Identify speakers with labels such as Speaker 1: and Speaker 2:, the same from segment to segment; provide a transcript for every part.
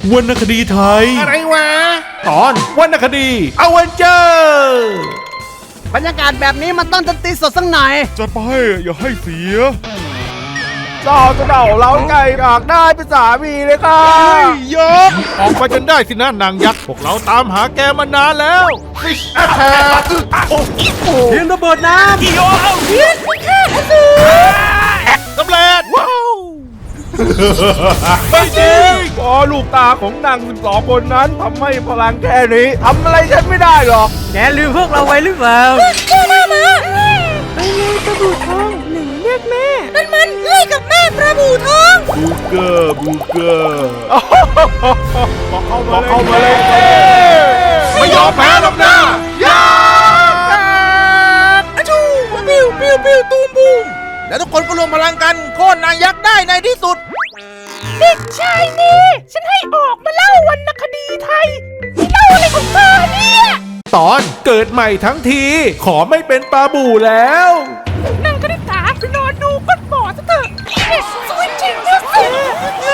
Speaker 1: วรรณคดีไทย
Speaker 2: อะไรวะ
Speaker 1: ตอนวรรณคดีอเวนเจอร์
Speaker 3: บรรยากาศแบบนี้มันต้องดนตรีสดสักหน่อย
Speaker 1: จัดไปอย่าให้เสีย
Speaker 2: เจ้าจะเดาเราไงอยากได้เป็นสามีเลยค่ะ
Speaker 1: ยกออกไปจนได้สินะนางยักษ์พวกเราตามหาแกมานานแล้ว Fish Attack โอ้โห
Speaker 3: เทียนระเบิดน้ำ
Speaker 1: กิโยสำเร็จว้าวไม่จริง
Speaker 2: พอลูกตาของนาง12 คนนั้นทำให้พลังแค่นี้ทำอะไรฉันไม่ได้หรอก
Speaker 3: แกลืมพวกเราไว้หรือเปล่า
Speaker 4: ไปเลยปลาบูทองหนึ่งเรียกแม่นั่นมันเอ้ยกับแม่ปลาบูทอง
Speaker 1: บูเกอร์บูเกอร์
Speaker 2: บอกเข้ามาเลย
Speaker 1: ไม่ยอมแพ้หรอกนะ
Speaker 4: อะชูปิ้วปิ้วปิ้วตูมบูม
Speaker 2: แล้วทุกคนก็รวมพลังกันโค่นนางยักษ์ได้ในที่สุด
Speaker 4: เด็กชายนี่ฉันให้ออกมาเล่าวรรณคดีไทยนี่เล่าอะไรของเธอเนี่ย
Speaker 1: ตอนเกิดใหม่ทั้งที ขอไม่เป็นปลาบูแล้ว
Speaker 4: นั่งคณิตศาสตร์ไปนอนดูก้นบ่อซะเถอะเด็กสวยจริงนะสิแม่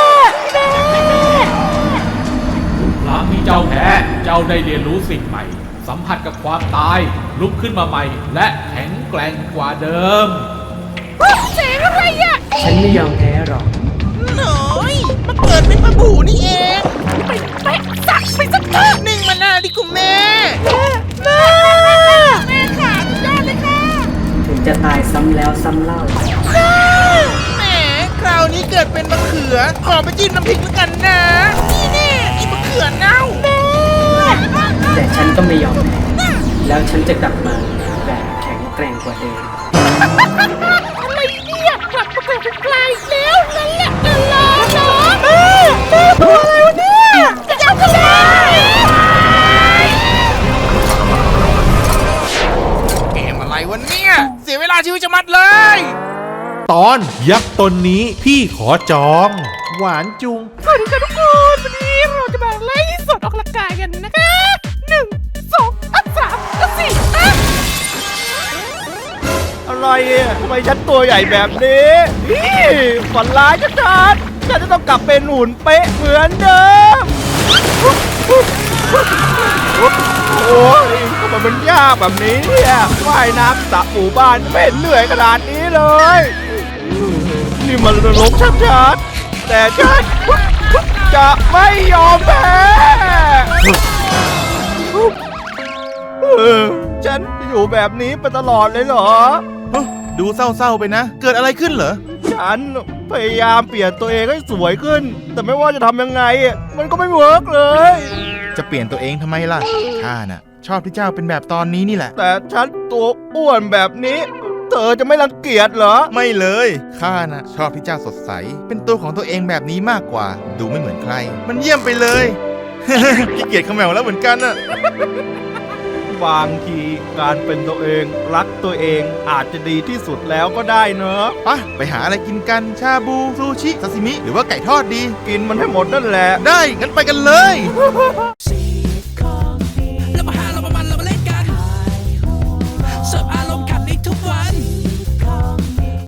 Speaker 5: หลังมีเจ้าแพ้ เจ้าได้เรียนรู้สิ่งใหม่ สัมผัสกับความตาย ลุกขึ้นมาใหม่ และแข็งแกร่งกว่าเดิม
Speaker 4: เสียงอะไรอ่ะ
Speaker 3: ฉันไม่ยอมแพ้หรอก
Speaker 6: หน่อยมาเกิดเป็นปลาบูนี่เอง
Speaker 4: ไปเตะสักไปสักเถอะ
Speaker 6: นิ่งมานาดิคุณแม่
Speaker 4: แม่ขาสุดยอดเลยค่ะ
Speaker 3: ถึงจะตายซ้ำแล้วซ้ำเล่า
Speaker 6: แหมคราวนี้เกิดเป็นมะเขือ ขอไปจิ้มน้ำพริกแล้วกันนะ นี่แน่อีมะเขือเน่า
Speaker 3: แต่ฉันก็ไม่ยอมแพ้แล้วฉันจะกลับมาแบบแข็งแกร่งกว่าเดิม
Speaker 4: อะไรเนี่ยกลับมาเกิดเป็นปลาอีกแล้วนั่นแหละนั่นแหละเนาะแม่ตัวอะไรวะเนี่ยจะเอาทะเล
Speaker 6: เกมอะไรวะเนี่ย เสียเวลาชีวิตจะมัดเลย
Speaker 1: ตอนยักษ์ตนนี้พี่ขอจอง หวานจุง
Speaker 4: สวัสดีค่ะทุกคนวันนี้เราจะมาไล่สดออกกำลังกายกันนะคะ1 2 3 4
Speaker 2: อะไรอ่ะทำไมฉันตัวใหญ่แบบนี้นี่ฝันร้ายชัดๆฉันจะต้องกลับเป็นหุ่นเป๊ะเหมือนเดิม โอ้ยทำไมมันยากแบบนี้เนี่ยว่ายน้ำสระหมู่บ้านไม่เห็นเหนื่อยขนาดนี้เลย นี่มันนรกชัดๆแต่ฉันจะไม่ยอมแพ้ฉันจะอยู่แบบนี้ไปตลอดเลยเหรอ
Speaker 7: ดูเศร้าๆไปนะ เกิดอะไรขึ้นเหรอ
Speaker 2: ฉันพยายามเปลี่ยนตัวเองให้สวยขึ้น แต่ไม่ว่าจะทำยังไง มันก็ไม่เวิร์กเลย
Speaker 7: จะเปลี่ยนตัวเองทำไมล่ะ ข้าน่ะ ชอบที่เจ้าเป็นแบบตอนนี้นี่แหละ
Speaker 2: แต่ฉันตัวอ้วนแบบนี้ เธอจะไม่รังเกียจเหรอ
Speaker 7: ไม่เลย ข้าน่ะ ชอบที่เจ้าสดใส เป็นตัวของตัวเองแบบนี้มากกว่า ดูไม่เหมือนใคร มันเยี่ยมไปเลย ขี้เกียจขมแมวแล้วเหมือนกันน่ะ
Speaker 2: บางทีการเป็นตัวเองรักตัวเองอาจจะดีที่สุดแล้วก็ได้เนอะ
Speaker 7: ไปหาอะไรกินกัน ชาบู ซูชิ ซาซิมิ หรือว่าไก่ทอดดี
Speaker 2: กินมันให้หมดนั่นแหละ
Speaker 7: ได้ งั้นไปกันเลย
Speaker 4: ส